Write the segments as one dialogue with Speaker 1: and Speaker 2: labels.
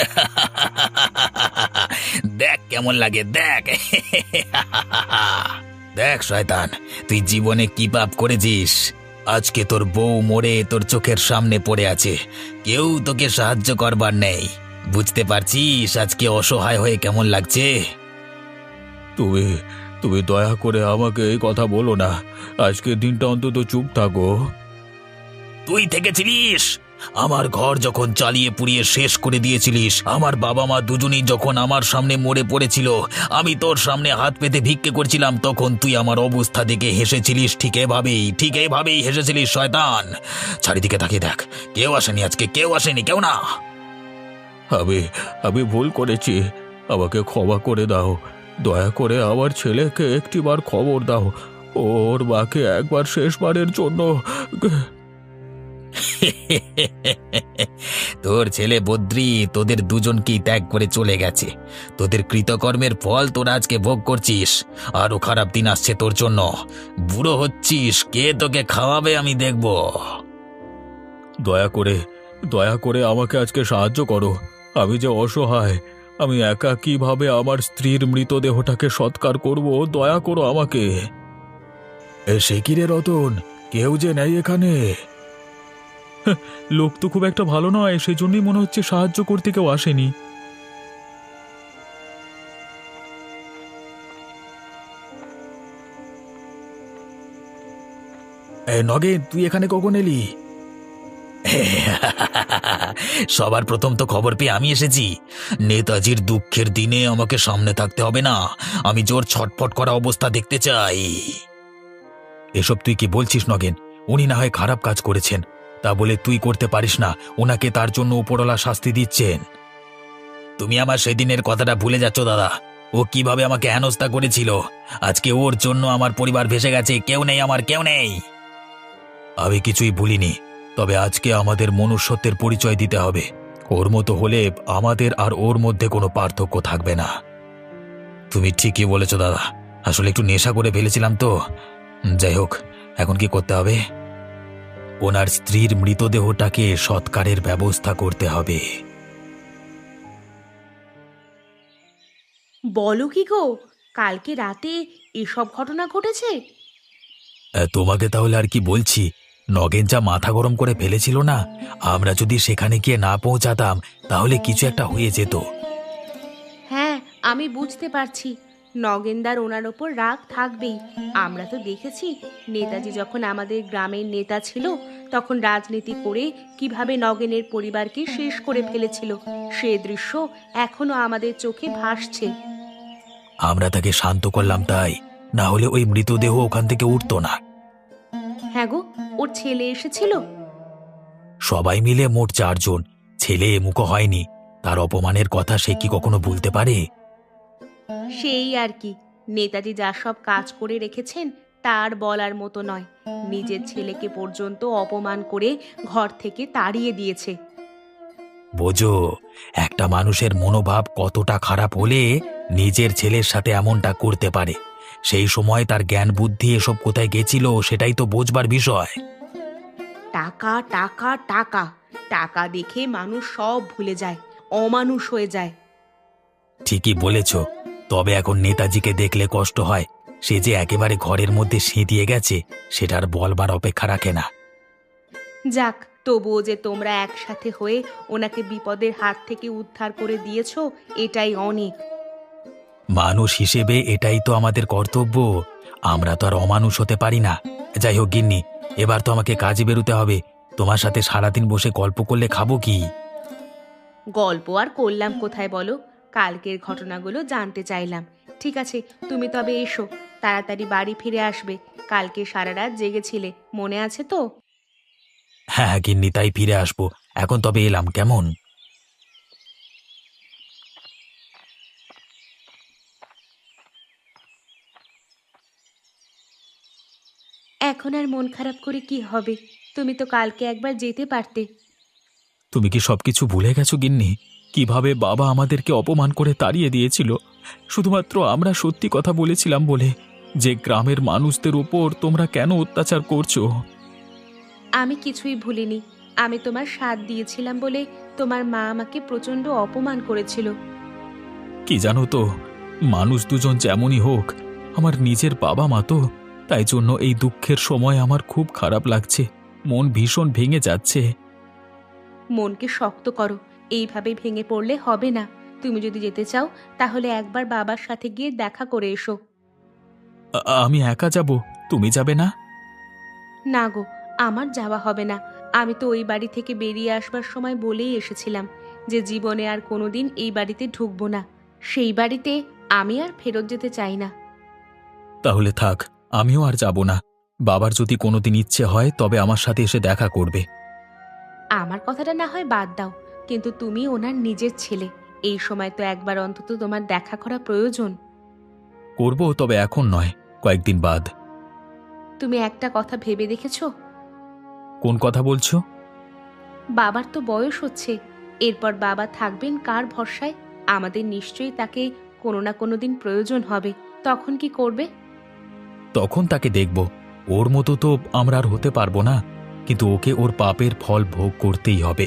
Speaker 1: দেখ কেমন লাগে, দেখ। দেখ শয়তান, তুই জীবনে কি পাপ করেছিস। আজকে তোর বউ মরে তোর চোখের সামনে পড়ে আছে, কেউ তোকে সাহায্য করবার নেই। বুঝতে পারছিস আজকে অসহায় হয়ে কেমন লাগছে?
Speaker 2: তুমি তুমি দয়া করে আমাকে এই কথা বলো না। আজকের দিনটা অন্তত চুপ থাকো।
Speaker 1: তুই থেকেছিলিস, আমার ঘর যখন চালিয়ে পুড়িয়ে শেষ করে দিয়েছিলিস, আমার বাবা মা দুজনেই যখন আমার সামনে মরে পড়েছিল, আমি তোর সামনে হাত পেতে ভিক্ষে করছিলাম, তখন তুই আমার অবস্থা দেখে হেসেছিলিস। ঠিক এভাবেই হেসেছিলিস শয়তান। চারিদিকে তাকিয়ে দেখ, কেউ আসেনি আজকে, কেউ আসেনি, কেউ না।
Speaker 2: আমি আমি ভুল করেছি, আমাকে ক্ষমা করে দাও। দয়া করে আমার ছেলেকে একটিবার খবর দাও, ওর মাকে একবার শেষবারের জন্য।
Speaker 1: তোর ছেলে বদ্রি তোদের দুজনকেই ত্যাগ করে চলে গেছে। তোদের কৃতকর্মের ফল তোরা আজকে ভোগ করছিস। আরো খারাপ দিন আসছে তোর জন্য। বুড়ো হচ্ছিস, কে তোকে খাওয়াবে আমি দেখব।
Speaker 2: দয়া করে আমাকে আজকে সাহায্য করো। আমি যে অসহায়, আমি একা কিভাবে আমার স্ত্রীর মৃতদেহটাকে সৎকার করব? দয়া করো আমাকে। সে কি রে রতন, কেউ যে নেই এখানে? লোক তো খুব একটা ভালো নয়, সেজন্যই মনে হচ্ছে সাহায্য করতে কেউ আসেনি। নগেন, তুই এখানে কখন এলি?
Speaker 1: সবার প্রথম তো খবর পেয়ে আমি এসেছি। নেতাজির দুঃখের দিনে আমাকে সামনে থাকতে হবে না, আমি জোর ছটফট করা অবস্থা দেখতে চাই।
Speaker 2: এসব তুই কি বলছিস নগেন? উনি না হয় খারাপ কাজ করেছেন, তা বলে তুই করতে পারিস না? ওনাকে তার জন্য উপরওয়ালা শাস্তি দিচ্ছেন।
Speaker 1: তুমি আমার সেদিনের কথাটা ভুলে যাচ্ছ দাদা। ও কিভাবে আমাকে হেনস্থা করেছিল, আজকে ওর জন্য আমার পরিবার ভেসে গেছে। কেউ নেই, আমার কেউ নেই।
Speaker 2: আমি কিছুই ভুলিনি, তবে আজকে আমাদের মনুষ্যত্বের পরিচয় দিতে হবে। ওর মতো হলে আমাদের আর ওর মধ্যে কোনো পার্থক্য থাকবে না।
Speaker 1: তুমি ঠিকই বলেছ দাদা, আসলে একটু নেশা করে ফেলেছিলাম তো। যাই হোক, এখন কি করতে হবে?
Speaker 2: ওনার স্ত্রীর মৃতদেহটাকে সৎকারের ব্যবস্থা করতে হবে।
Speaker 3: বলো কি গো, কালকে রাতে এসব ঘটনা ঘটেছে?
Speaker 2: তোমাকে তাহলে আর কি বলছি, নগেন যা মাথা গরম করে ফেলেছিল না, আমরা যদি সেখানে গিয়ে না পৌঁছাতাম তাহলে কিছু একটা হয়ে যেত।
Speaker 3: হ্যাঁ, আমি বুঝতে পারছি নগেনদার ওনার ওপর রাগ থাকবেই। আমরা তো দেখেছি নেতাজি যখন আমাদের গ্রামের নেতা ছিল, তখন রাজনীতি করে কিভাবে নগেনের পরিবারকে শেষ করে ফেলেছিল। সে দৃশ্য এখনো আমাদের চোখে ভাসছে।
Speaker 2: আমরা তাকে শান্ত করলাম তাই, না হলে ওই মৃতদেহ ওখান থেকে উঠতো না।
Speaker 3: হ্যাঁ গো, ওর ছেলে এসেছিল?
Speaker 2: সবাই মিলে মোট 4 জন। ছেলে এমুখো হয়নি, তার অপমানের কথা সে কি কখনো ভুলতে পারে?
Speaker 3: সেই আর কি, নেতাজি যা সব কাজ করে রেখেছেন তার বলার মতো নয়। নিজের ছেলেকে পর্যন্ত অপমান করে ঘর থেকে তাড়িয়ে দিয়েছে।
Speaker 2: বোঝো, একটা মানুষের মনোভাব কতটা খারাপ হলে নিজের ছেলের সাথে এমনটা করতে পারে। সেই সময় তার জ্ঞান বুদ্ধি এসব কোথায় গেছিল সেটাই তো বোঝবার বিষয়।
Speaker 3: টাকা টাকা টাকা, টাকা দেখে মানুষ সব ভুলে যায়, অমানুষ হয়ে যায়।
Speaker 2: ঠিকই বলেছ, তবে এখন নেতাজিকে দেখলে কষ্ট হয়। সে যে একেবারে ঘরের মধ্যে সিঁধিয়ে গেছে, সেটার বলবার অপেক্ষা রাখে না।
Speaker 3: যাক, তবুও যে তোমরা একসাথে হয়ে ওনাকে বিপদের হাত থেকে উদ্ধার করে দিয়েছো, এটাই অনেক।
Speaker 2: মানুষ হিসেবে এটাই তো আমাদের কর্তব্য। আমরা তো আর অমানুষ হতে পারি না। যাই হোক গিন্নি, এবার তো আমাকে কাজে বেরোতে হবে। তোমার সাথে সারাদিন বসে গল্প করলে খাবো কি?
Speaker 3: গল্প আর করলাম কোথায় বলো, কালকের ঘটনাগুলো জানতে চাইলাম। ঠিক আছে, তুমি তবে এসো, তাড়াতাড়ি বাড়ি ফিরে আসবে। কালকে সারা রাত জেগেছিলে, মনে আছে তো?
Speaker 2: হ্যাঁ হ্যাঁ গিন্নি, তাই ফিরে আসবো। এখন তবে এলাম, কেমন?
Speaker 3: এখন আর মন খারাপ করে কি হবে? তুমি তো কালকে একবার যেতে পারতে।
Speaker 2: তুমি কি সবকিছু ভুলে গেছো গিন্নি? কিভাবে বাবা আমাদেরকে অপমান করে তাড়িয়ে দিয়েছিল, শুধুমাত্র আমরা সত্যি কথা বলেছিলাম বলে। যে গ্রামের মানুষদের উপর তোমরা কেন অত্যাচার করছো?
Speaker 3: আমি কিছুই ভুলিনি। আমি তোমার সাথ দিয়েছিলাম বলে তোমার মা আমাকে প্রচণ্ড অপমান করেছিল।
Speaker 2: কি জানো তো, মানুষ দুজন যেমনই হোক, আমার নিজের বাবা মা তো, তাই জন্য এই দুঃখের সময় আমার খুব খারাপ লাগছে, মন ভীষণ ভেঙে যাচ্ছে।
Speaker 3: মনকে শক্ত করো, এইভাবে ভেঙে পড়লে হবে না। তুমি যদি যেতে চাও তাহলে একবার বাবার সাথে গিয়ে দেখা করে এসো।
Speaker 2: আমি একা যাব, তুমি যাবে না?
Speaker 3: না গো, আমার যাওয়া হবে না। আমি তো ওই বাড়ি থেকে বেরিয়ে আসবার সময় বলেই এসেছিলাম যে জীবনে আর কোনোদিন এই বাড়িতে ঢুকবো না। সেই বাড়িতে আমি আর ফেরত যেতে চাই না।
Speaker 2: তাহলে থাক, আমিও আর যাব না। বাবার যদি কোনোদিন ইচ্ছে হয় তবে আমার সাথে এসে দেখা করবে।
Speaker 3: আমার কথাটা না হয় বাদ দাও, কিন্তু তুমি ওনার নিজের ছেলে, এই সময় তো একবার অন্তত তোমার দেখা করা প্রয়োজন।
Speaker 2: করব, তবে এখন নয়, কয়েকদিন বাদ।
Speaker 3: তুমি একটা কথা ভেবে দেখেছো?
Speaker 2: কোন কথা বলছো?
Speaker 3: বাবার তো বয়স হচ্ছে, এরপর বাবা থাকবেন কার ভরসায়? আমাদের নিশ্চয়ই তাকে কোনো না কোনো দিন প্রয়োজন হবে। তখন কি করবে?
Speaker 2: তখন তাকে দেখব। ওর মতো তো আমরা আর হতে পারবো না, কিন্তু ওকে ওর পাপের ফল ভোগ করতেই হবে।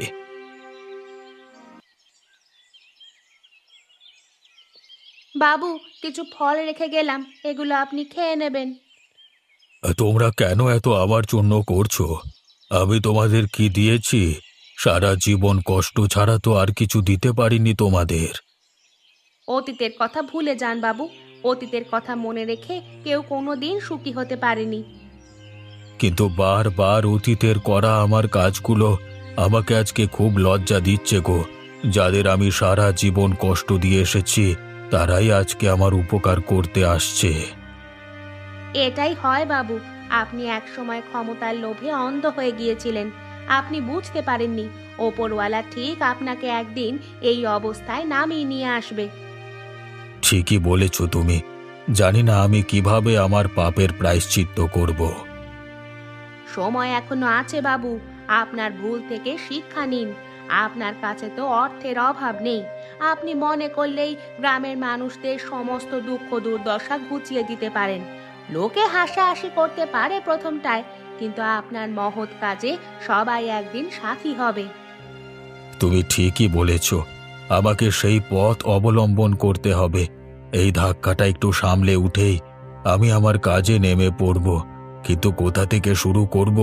Speaker 3: বাবু, কিছু ফল রেখে গেলাম, এগুলো আপনি খেয়ে নেবেন।
Speaker 2: তোমরা কেন এত আমার জন্য করছো? আমি তোমাদের কি দিয়েছি? সারা জীবন কষ্ট ছাড়া তো আর কিছু দিতে পারিনি তোমাদের।
Speaker 3: অতীতের কথা ভুলে যান বাবু, অতীতের কথা মনে রেখে কেউ কোনোদিন সুখী হতে পারেনি।
Speaker 2: কিন্তু বারবার অতীতের করা আমার কাজগুলো আমাকে আজকে খুব লজ্জা দিচ্ছে গো। যাদের আমি সারা জীবন কষ্ট দিয়ে এসেছি তারাই আজকে আমার উপকার করতে আসছে।
Speaker 3: এটাই হয় বাবু, আপনি একসময় ক্ষমতার লোভে অন্ধ হয়ে গিয়েছিলেন। আপনি বুঝতে পারেননি ওপরওয়ালা ঠিক আপনাকে একদিন এই অবস্থায় নামিয়ে নিয়ে আসবে।
Speaker 2: ঠিকই বলেছ তুমি। জানি না আমি কিভাবে আমার পাপের প্রায়শ্চিত্ত করব।
Speaker 3: সময় এখনো আছে বাবু, আপনার ভুল থেকে শিক্ষা নিন। আপনার কাছে তো অর্থের অভাব নেই, আপনি মনে করলেই গ্রামের মানুষদের সমস্ত দুঃখ দুর্দশা ঘুচিয়ে দিতে পারেন। লোকে হাসাহাসি করতে পারে প্রথমটায়, কিন্তু আপনার মহৎ কাজে সবাই একদিন সাথী হবে।
Speaker 2: তুমি ঠিকই বলেছ, আমাকে সেই পথ অবলম্বন করতে হবে। এই ধাক্কাটা একটু সামলে উঠেই আমি আমার কাজে নেমে পড়ব, কিন্তু কোথা থেকে শুরু করব?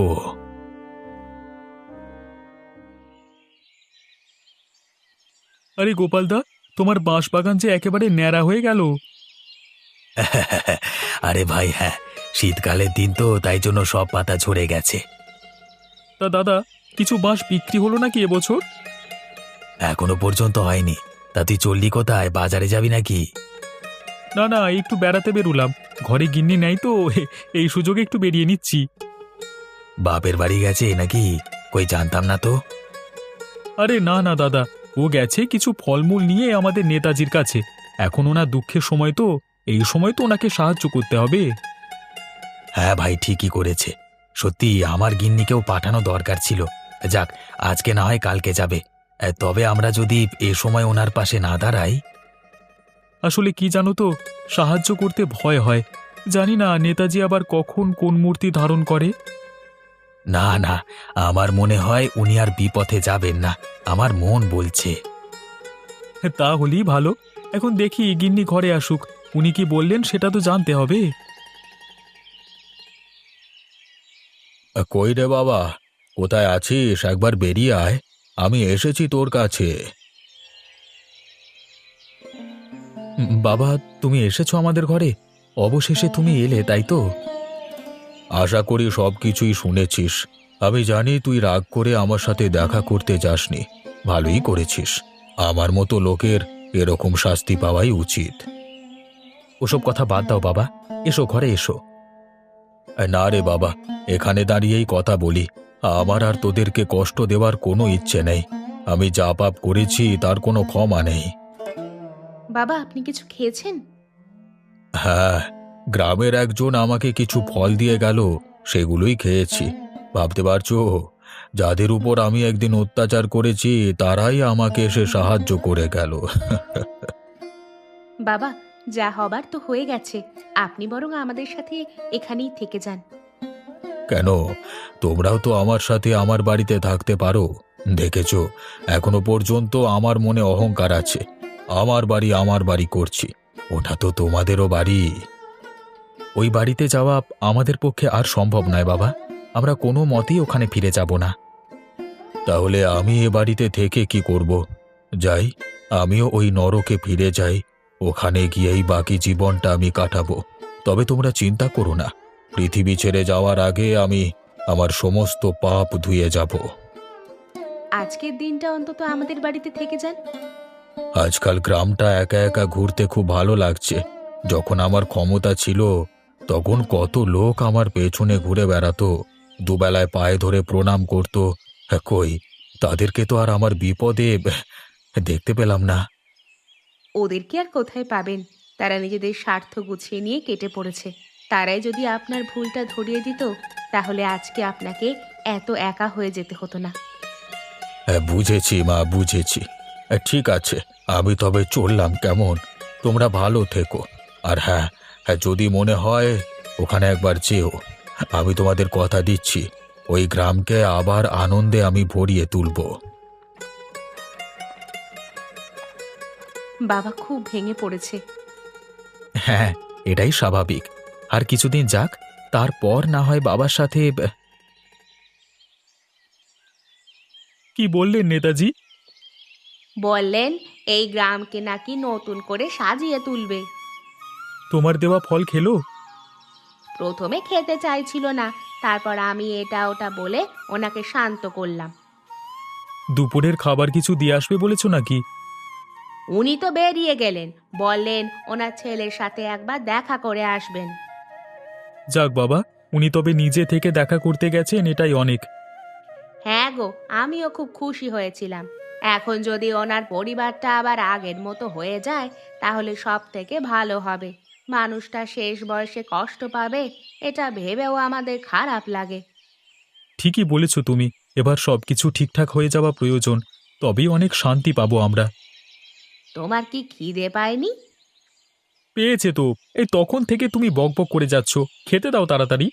Speaker 2: আরে গোপালদা, তোমার বাঁশবাগান যে একেবারে ন্যাড়া হয়ে গেল। আরে ভাই, হ্যাঁ, শীতকালের দিন তো, তাই জন্য সব পাতা ঝরে গেছে। তা দাদা, কিছু বাঁশ বিক্রি হলো নাকি এবছর? এখনো পর্যন্ত হয়নি। তা তুই চললি কোথায়? বাজারে যাবি নাকি? না না, একটু বেড়াতে বেরুলাম। ঘরে গিন্নি নাই তো, এই সুযোগে একটু বেরিয়ে নিচ্ছি। বাপের বাড়ি গেছে নাকি? কই, জানতাম না তো। আরে না না দাদা, ও গেছে কিছু ফলমূল নিয়ে আমাদের নেতাজির কাছে। এখন ওনার দুঃখের সময় তো, এই সময় তো ওনাকে সাহায্য করতে হবে। হ্যাঁ ভাই, ঠিকই করেছে। সত্যি আমার গিন্নিকেও পাঠানো দরকার ছিল। যাক, আজকে না হয় কালকে যাবে। তবে আমরা যদি এ সময় ওনার পাশে না দাঁড়াই। আসলে কি জানো তো, সাহায্য করতে ভয় হয়। জানি না নেতাজি আবার কখন কোন মূর্তি ধারণ করে। না না, আমার মনে হয় উনি আর বিপথে যাবেন না, আমার মন বলছে। তা হলেই ভালো। এখন দেখি গিন্নি ঘরে আসুক, উনি কি বললেন সেটা তো জানতে হবে। কই রে বাবা, কোথায় আছিস? একবার বেরিয়ে আয়, আমি এসেছি তোর কাছে। বাবা, তুমি এসেছো আমাদের ঘরে? অবশেষে তুমি এলে, তাই তো? আশা করি সব কিছুই শুনেছিস। আমি জানি তুই রাগ করে আমার সাথে দেখা করতে যাসনি। ভালোই করেছিস। আমার মতো লোকের এরকম শাস্তি পাওয়াই উচিত। ওসব কথা বাদ দাও বাবা, এসো ঘরে এসো। না রে বাবা, এখানে দাঁড়িয়েই কথা বলি। আমার আর তোদেরকে কষ্ট দেওয়ার কোনো ইচ্ছে নেই। আমি যা পাপ করেছি তার কোনো ক্ষমা নেই।
Speaker 3: বাবা, আপনি কিছু খেয়েছেন?
Speaker 2: হ্যাঁ, গ্রামের একজন আমাকে কিছু ফল দিয়ে গেল, সেগুলোই খেয়েছি। ভাবতে পারছো, যাদের উপর আমি একদিন অত্যাচার করেছি তারাই আমাকে এসে সাহায্য করে গেল।
Speaker 3: বাবা, যা হবার তো হয়ে গেছে, আপনি বরং আমাদের সাথে এখানেই থেকে যান।
Speaker 2: কেন, তোমরাও তো আমার সাথে আমার বাড়িতে থাকতে পারো। দেখেছো, এখনো পর্যন্ত আমার মনে অহংকার আছে। আমার বাড়ি করছি। ওটা তো তোমাদেরও বাড়ি। ওই বাড়িতে যাওয়া আমাদের পক্ষে আর সম্ভব নয় বাবা। আমরা কোনো মতেই ওখানে ফিরে যাব না। তাহলে আমি এ বাড়িতে থেকে কি করব? যাই, আমিও ওই নরকে ফিরে যাই। ওখানে গিয়েই বাকি জীবনটা আমি কাটাবো। তবে তোমরা চিন্তা করো না, পৃথিবী ছেড়ে যাওয়ার আগে আমি আমার সমস্ত পাপ ধুয়ে যাব।
Speaker 3: আজকের দিনটা অন্তত আমাদের বাড়িতে থেকে যান।
Speaker 2: আজকাল গ্রামটা একা একা ঘুরতে খুব ভালো লাগছে। যখন আমার ক্ষমতা ছিল, তখন কত লোক আমার পেছনে ঘুরে বেড়াতো, দুবেলায় পায়ে ধরে প্রণাম করত। কই, তাদেরকে তো আর আমার বিপদে দেখতে পেলাম না।
Speaker 3: ওদেরকে আর কোথায় পাবেন? তারা নিজেদের স্বার্থ গুছিয়ে নিয়ে কেটে পড়েছে। তারাই যদি আপনার ভুলটা ধরিয়ে দিত, তাহলে আজকে আপনাকে এত একা হয়ে যেতে হতো না।
Speaker 2: বুঝেছি মা, বুঝেছি। ঠিক আছে, আমি তবে চললাম কেমন? তোমরা ভালো থেকো। আর হ্যাঁ, যদি মনে হয় ওখানে একবার যেও। আমি তোমাদের কথা দিচ্ছি, ওই গ্রামকে আবার আনন্দে আমি ভরিয়ে তুলব।
Speaker 3: বাবা খুব ভেঙে পড়েছে।
Speaker 2: হ্যাঁ, এটাই স্বাভাবিক। আর কিছুদিন যাক, তারপর না হয় বাবার সাথে। কি বললেন নেতাজি?
Speaker 3: বললেন এই গ্রামকে নাকি নতুন করে সাজিয়ে তুলবে।
Speaker 2: তোমার দেওয়া ফল খেলো?
Speaker 3: প্রথমে খেতে চাইছিল না, তারপর আমি এটা ওটা বলে ওনাকে শান্ত করলাম।
Speaker 2: দুপুরের খাবার কিছু দিয়ে আসবে বলেছো নাকি?
Speaker 3: উনি তো বেরিয়ে গেলেন, বললেন ওনার ছেলের সাথে একবার দেখা করে আসবেন।
Speaker 2: যাক বাবা, উনি তবে নিজে থেকে দেখা করতে গেছেন, এটাই অনেক।
Speaker 3: হ্যাঁ গো, আমিও খুব খুশি হয়েছিলাম। এখন যদি ওনার পরিবারটা আবার আগের মতো হয়ে যায়, তাহলে সব থেকে ভালো হবে। মানুষটা শেষ বয়সে কষ্ট পাবে, এটা ভেবেও আমাদের খারাপ লাগে।
Speaker 2: ঠিকই বলেছ তুমি। এবার সবকিছু ঠিকঠাক হয়ে যাওয়া প্রয়োজন, তবেই অনেক শান্তি পাবো আমরা।
Speaker 3: তোমার কি খিদে পায়নি?
Speaker 2: পেয়েছে তো, এই তখন থেকে তুমি বকবক করে যাচ্ছ। খেতে দাও তাড়াতাড়ি।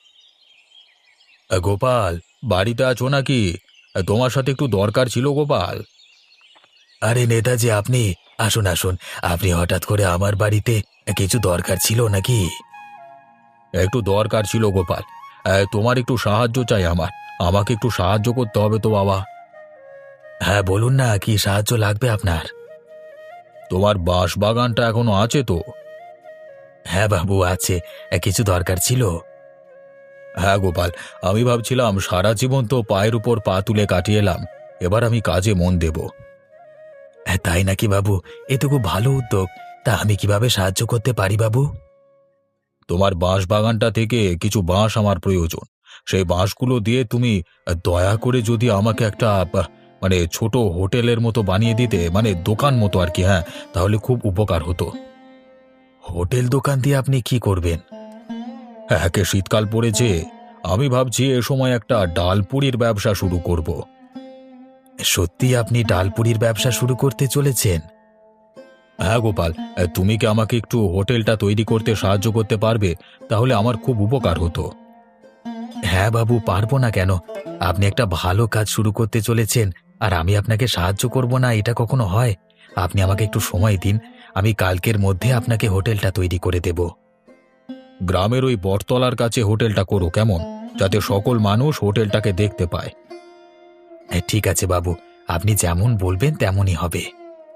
Speaker 2: গোপাল, বাড়িতে আছো নাকি? তোমার সাথে একটু দরকার ছিল গোপাল। আরে নেতাজি, আপনি আসুন আসুন। আপনি হঠাৎ করে আমার বাড়িতে, কিছু দরকার ছিল নাকি? একটু দরকার ছিল গোপাল। তোমার একটু সাহায্য চাই আমার। আমাকে একটু সাহায্য করতে হবে তো বাবা। হ্যাঁ বলুন না, কি সাহায্য লাগবে আপনার? তোমার বাঁশ বাগানটা এখনো আছে তো? হ্যাঁ বাবু, আছে। কিছু দরকার ছিল? হ্যাঁ গোপাল, আমি ভাবছিলাম সারা জীবন তো পায়ের উপর পা তুলে কাটিয়ে এলাম, এবার আমি কাজে মন দেব। তাই নাকি বাবু? এ তো খুব ভালো উদ্যোগ। তা আমি কিভাবে সাহায্য করতে পারি বাবু? তোমার বাঁশ বাগানটা থেকে কিছু বাঁশ আমার প্রয়োজন। সেই বাঁশগুলো দিয়ে তুমি দয়া করে যদি আমাকে একটা মানে ছোট হোটেলের মতো বানিয়ে দিতে, মানে দোকান মতো আর কি। হ্যাঁ, তাহলে খুব উপকার হতো। হোটেল দোকান দিয়ে আপনি কি করবেন? একে শীতকাল পড়েছে, আমি ভাবছি এ সময় একটা ডালপুরির ব্যবসা শুরু করব। সত্যি আপনি ডালপুরির ব্যবসা শুরু করতে চলেছেন? হ্যাঁ গোপাল, তুমি কি আমাকে একটু হোটেলটা তৈরি করতে সাহায্য করতে পারবে? তাহলে আমার খুব উপকার হতো। হ্যাঁ বাবু, পারবো না কেন? আপনি একটা ভালো কাজ শুরু করতে চলেছেন, আর আমি আপনাকে সাহায্য করব না, এটা কখনো হয়? আপনি আমাকে একটু সময় দিন, আমি কালকের মধ্যে আপনাকে হোটেলটা তৈরি করে দেব। গ্রামের ওই বটতলার কাছে হোটেলটা করো কেমন, যাতে সকল মানুষ হোটেলটাকে দেখতে পায়। ঠিক আছে বাবু, আপনি যেমন বলবেন তেমনই হবে।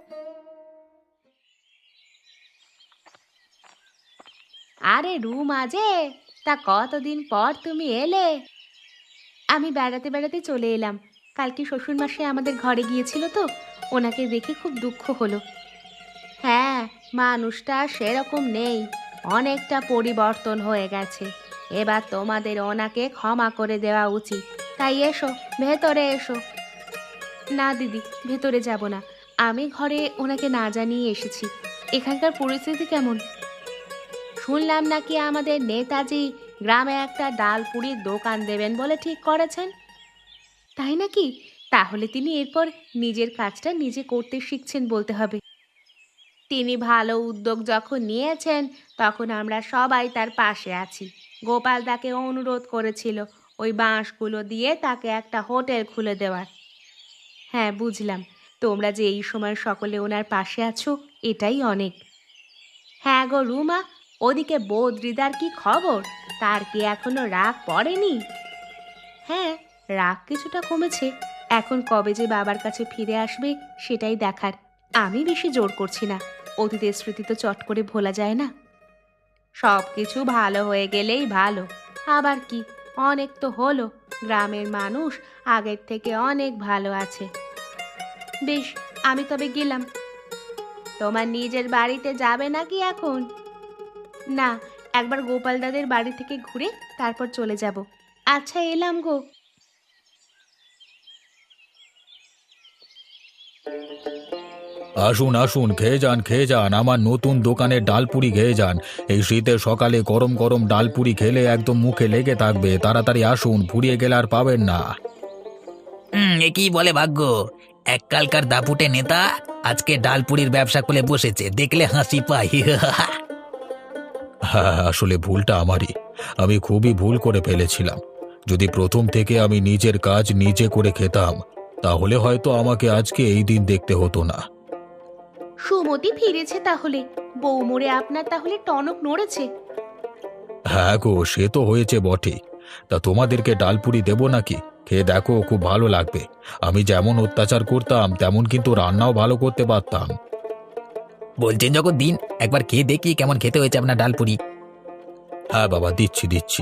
Speaker 3: আরে রুমা যে, তা কতদিন পর তুমি এলে? আমি বেড়াতে বেড়াতে চলে এলাম। কালকে শ্বশুরমশাই আমাদের ঘরে গিয়েছিল তো, ওনাকে দেখে খুব দুঃখ হলো। হ্যাঁ, মানুষটা আর সেরকম নেই, অনেকটা পরিবর্তন হয়ে গেছে। এবার তোমাদের ওনাকে ক্ষমা করে দেওয়া উচিত। তাই এসো, ভেতরে এসো। না দিদি, ভেতরে যাব না। আমি ঘরে ওনাকে না জানিয়ে এসেছি। এখানকার পরিস্থিতি কেমন? শুনলাম নাকি আমাদের নেতাজি গ্রামে একটা ডালপুরির দোকান দেবেন বলে ঠিক করেছেন। তাই নাকি? তাহলে তিনি এরপর নিজের কাজটা নিজে করতে শিখছেন বলতে হবে। তিনি ভালো উদ্যোগ যখন নিয়েছেন, তখন আমরা সবাই তার পাশে আছি। গোপাল তাকে অনুরোধ করেছিল ওই বাঁশগুলো দিয়ে তাকে একটা হোটেল খুলে দেওয়ার। হ্যাঁ, বুঝলাম। তোমরা যে এই সময় সকলে ওনার পাশে আছো এটাই অনেক। হ্যাঁ গো রুমা, ওদিকে বদ্রিদার কি খবর? তার কি এখনো রাগ পড়েনি? হ্যাঁ, রাগ কিছুটা কমেছে। এখন কবে যে বাবার কাছে ফিরে আসবে সেটাই দেখার। আমি বেশি জোর করছি না, অতীতের স্মৃতি তো চট করে ভোলা যায় না। সব কিছু ভালো হয়ে গেলেই ভালো। আবার কি, অনেক তো হলো, গ্রামের মানুষ আগের থেকে অনেক ভালো আছে। বেশ, আমি তবে গেলাম। তোমার নিজের বাড়িতে যাবে নাকি এখন? না, একবার গোপাল দাদের বাড়ি থেকে ঘুরে তারপর চলে যাব। আচ্ছা, এলাম গো।
Speaker 2: আসুন আসুন, খেয়ে যান আমার নতুন দোকানের ডালপুরি খেয়ে যান। এই শীতের সকালে গরম গরম ডালপুরি খেলে একদম মুখে লেগে থাকবে। তাড়াতাড়ি আসুন, ফুরিয়ে গেলে আর পাবেন না।
Speaker 1: এ কি বলে ভাগ্য! এককালকার দাপুটে নেতা আজকে ডালপুরির ব্যবসা খুলে বসেছে, দেখলে হাসি পাই।
Speaker 2: হ্যাঁ, আসলে ভুলটা আমারই। আমি খুবই ভুল করে ফেলেছিলাম। যদি প্রথম থেকে আমি নিজের কাজ নিজে করে খেতাম, তাহলে হয়তো আমাকে আজকে এই দিন দেখতে হতো না।
Speaker 3: সুমতি ফিরেছে তাহলে? বউ মরে আপনার তাহলে টনক নড়েছে?
Speaker 2: হ্যাঁ গো, সে তো হয়েছে বটে। তা তোমাদেরকে ডালপুরি দেবো নাকি? খেয়ে দেখো, খুব ভালো লাগবে। আমি যেমন অত্যাচার করতাম তেমন কিন্তু রান্নাও ভালো করতে পারতাম।
Speaker 1: বলছেন যখন দিন, একবার খেয়ে দেখি কেমন খেতে হয়েছে আপনার ডালপুরি।
Speaker 2: হ্যাঁ বাবা, দিচ্ছি।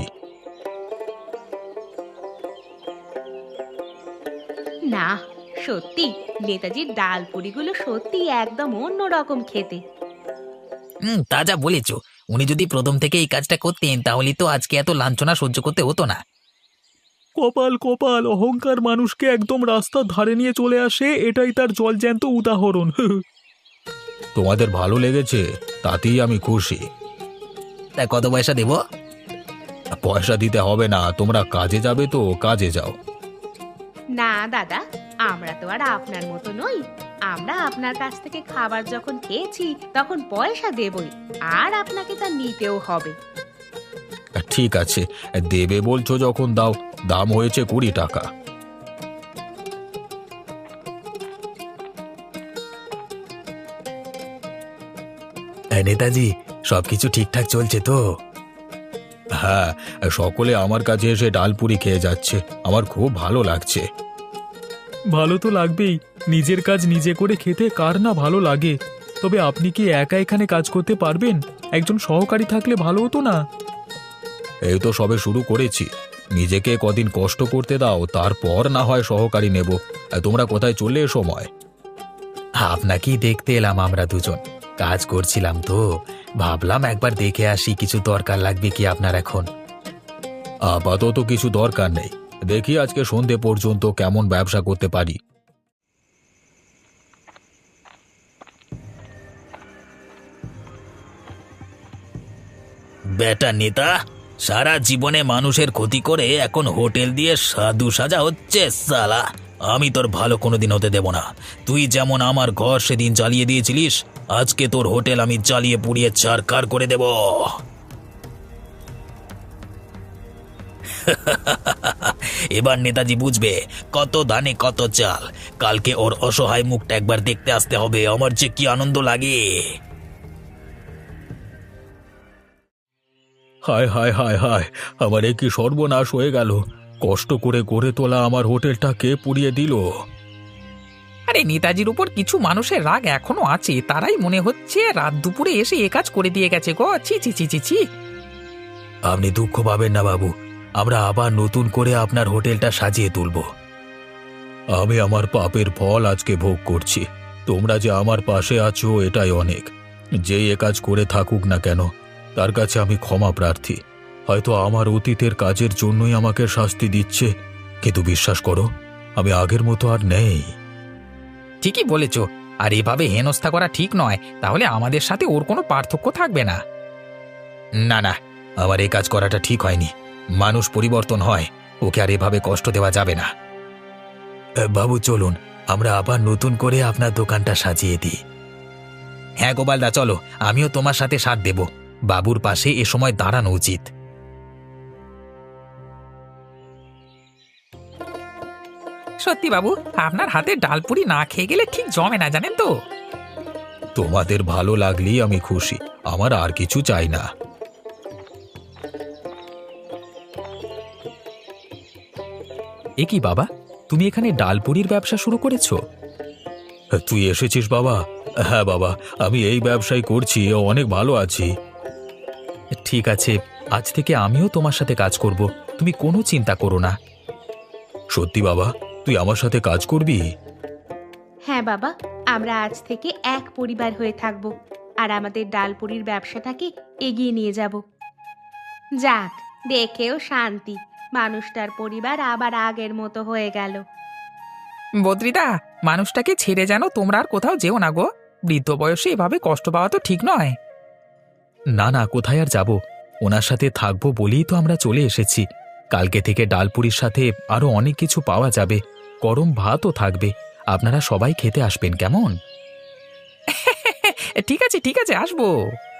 Speaker 3: না, সত্যি নেতাজির ডাল পুরিগুলো সত্যি একদম অন্য রকম খেতে।
Speaker 1: তা যা বলেছ। উনি যদি প্রথম থেকে এই কাজটা করতেন তাহলে তো আজকে এত লাঞ্ছনা সহ্য করতে হতো না।
Speaker 2: কপাল কপাল, অহংকার মানুষকে একদম রাস্তার ধারে নিয়ে চলে আসে, এটাই তার জলজ্যান্ত উদাহরণ। তোমাদের ভালো লেগেছে, তাতেই আমি খুশি।
Speaker 1: তা কত পয়সা দেব?
Speaker 2: পয়সা দিতে হবে না, তোমরা কাজে যাবে তো কাজে যাও।
Speaker 3: না দাদা, আমরা তো আর আপনার মতো নই। আমরা আপনার কাছ থেকে খাবার যখন খেয়েছি তখন পয়সা দেবই, আর আপনাকে তা নিতেও হবে।
Speaker 2: ঠিক আছে, দেবে বলছো যখন দাও। দাম হয়েছে 20 টাকা।
Speaker 1: নেতাজি, সবকিছু ঠিকঠাক চলছে তো?
Speaker 2: হ্যাঁ, সকলে আমার কাছে এসে ডালপুরি খেয়ে যাচ্ছে, আমার খুব ভালো লাগছে। ভালো তো লাগবেই, নিজের কাজ নিজে করে খেতে কার না ভালো লাগে। তবে আপনি কি একা এখানে কাজ করতে পারবেন? একজন সহকারী থাকলে ভালো হতো না? এই তো সবে শুরু করেছি, নিজেকে কদিন কষ্ট করতে দাও, তারপর না হয় সহকারী নেব। তোমরা কোথায় চললে এ সময়?
Speaker 1: আপনাকেই দেখতে এলাম, আমরা দুজন কাজ করছিলাম তো ভাবলাম একবার দেখে আসি কিছু দরকার লাগবে কি আপনার এখন।
Speaker 2: আপাতত কিছু দরকার নেই, দেখি আজকে সন্ধে পর্যন্ত কেমন ব্যবসা করতে পারি।
Speaker 1: বেটা নেতা, সারা জীবনে মানুষের ক্ষতি করে এখন হোটেল দিয়ে সাধু সাজা হচ্ছে সালা। আমি তোর ভালো কোনোদিন হতে দেব না। তুই যেমন আমার ঘর সেদিন জ্বালিয়ে দিয়েছিলিস, আজকে তোর হোটেল আমি জ্বালিয়ে পুড়িয়ে ছারখার করে দেব। এবার নেতাজি বুঝবে কত ধানে কত চাল। কালকে ওর অসহায় মুখটা একবার দেখতে আসতে হবে। আমার যে কি আনন্দ লাগে।
Speaker 2: হায় হায় হায় হায়, আমার এ কি সর্বনাশ হয়ে গেল! কষ্ট করে গড়ে তোলা আমার হোটেলটা কে পুড়িয়ে দিল?
Speaker 4: আরে নেতাজির উপর কিছু মানুষের রাগ এখনো আছে, তারাই মনে হচ্ছে রাত দুপুরে এসে এ কাজ করে দিয়ে গেছে গো। ছি ছি ছি ছি ছি।
Speaker 1: আপনি দুঃখ পাবেন না বাবু, আমরা আবার নতুন করে আপনার হোটেলটা সাজিয়ে তুলব।
Speaker 2: আমি আমার পাপের ফল আজকে ভোগ করছি। তোমরা যে আমার পাশে আছো এটাই অনেক। যেই এ কাজ করে থাকুক না কেন, তার কাছে আমি ক্ষমা প্রার্থী। হয়তো আমার অতীতের কাজের জন্যই আমাকে শাস্তি দিচ্ছে, কিন্তু বিশ্বাস করো, আমি আগের মতো আর নেই।
Speaker 4: ঠিকই বলেছ, আর এভাবে হেনস্থা করা ঠিক নয়, তাহলে আমাদের সাথে ওর কোনো পার্থক্য থাকবে না।
Speaker 1: না না, আমার এই কাজ করাটা ঠিক হয়নি। মানুষ পরিবর্তন হয়, ওকে আর এভাবে কষ্ট দেওয়া যাবে না। বাবু চলুন, আমরা আবার নতুন করে আপনার দোকানটা সাজিয়ে দিই। হ্যাঁ গোপালদা, চলো, আমিও তোমার সাথে সাথ দেব। বাবুর পাশে এ সময় দাঁড়ানো উচিত।
Speaker 4: সত্যি বাবু, আপনার হাতে ডালপুরি না খেয়ে গেলে ঠিক জমে না, জানেন তো।
Speaker 2: তোমাদের ভালো লাগলেই আমি খুশি, আমার আর কিছু চাই না।
Speaker 1: এ কি বাবা, তুমি এখানে ডালপুরির ব্যবসা শুরু করেছো?
Speaker 2: তুই এসেছিস বাবা? হ্যাঁ বাবা, আমি এই ব্যবসায় করছি, অনেক ভালো আছি।
Speaker 1: ঠিক আছে, আজ থেকে আমিও তোমার সাথে কাজ করব, তুমি কোনো চিন্তা করো না।
Speaker 2: সত্যি বাবা, তুই আমার সাথে কাজ করবি?
Speaker 3: হ্যাঁ বাবা, আমরা আজ থেকে এক পরিবার হয়ে থাকব আর আমাদের ডালপুরির ব্যবসাটাকে এগিয়ে নিয়ে যাব। যাক, দেখেও শান্তি, মানুষটার পরিবার আবার আগের মতো হয়ে গেল।
Speaker 4: বদ্রিদা, মানুষটাকে ছেড়ে যেন তোমরা আর কোথাও যেও না গো। বৃদ্ধ বয়সে এভাবে কষ্ট পাওয়া তো ঠিক নয়।
Speaker 1: না না, কোথায় আর যাব, ওনার সাথে থাকবো বলেই তো আমরা চলে এসেছি। কালকে থেকে ডালপুরির সাথে আরো অনেক কিছু পাওয়া যাবে, গরম ভাতও থাকবে, আপনারা সবাই খেতে আসবেন কেমন?
Speaker 4: ঠিক আছে, ঠিক আছে, আসবো।